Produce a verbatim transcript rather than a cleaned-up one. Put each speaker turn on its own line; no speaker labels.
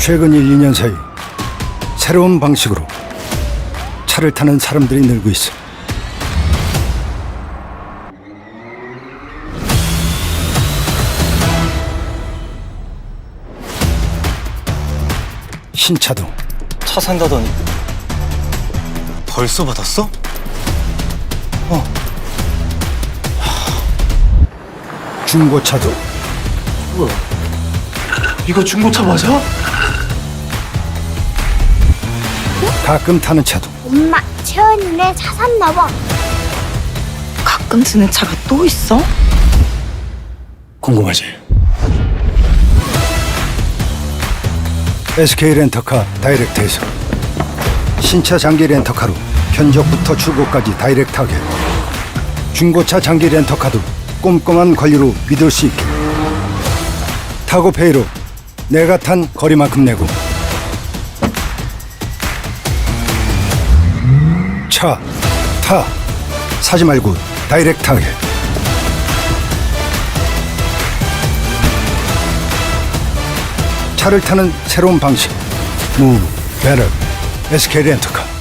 최근 일, 이 년 사이 새로운 방식으로 차를 타는 사람들이 늘고 있어. 신차도
차 산다더니 벌써 받았어?
중고차도
이거 중고차 맞아?
가끔 타는 차도
엄마, 채원이네 차 샀나 봐.
가끔 드는 차가 또 있어?
궁금하지?
에스케이 렌터카 다이렉트에서 신차 장기 렌터카로 견적부터 출고까지 다이렉트하게, 중고차 장기 렌터카도 꼼꼼한 관리로 믿을 수 있게, 타고페이로 내가 탄 거리만큼 내고, 차, 타, 사지 말고 다이렉트하게. 차를 타는 새로운 방식, 무브, 베럴, 에스케이 렌터카.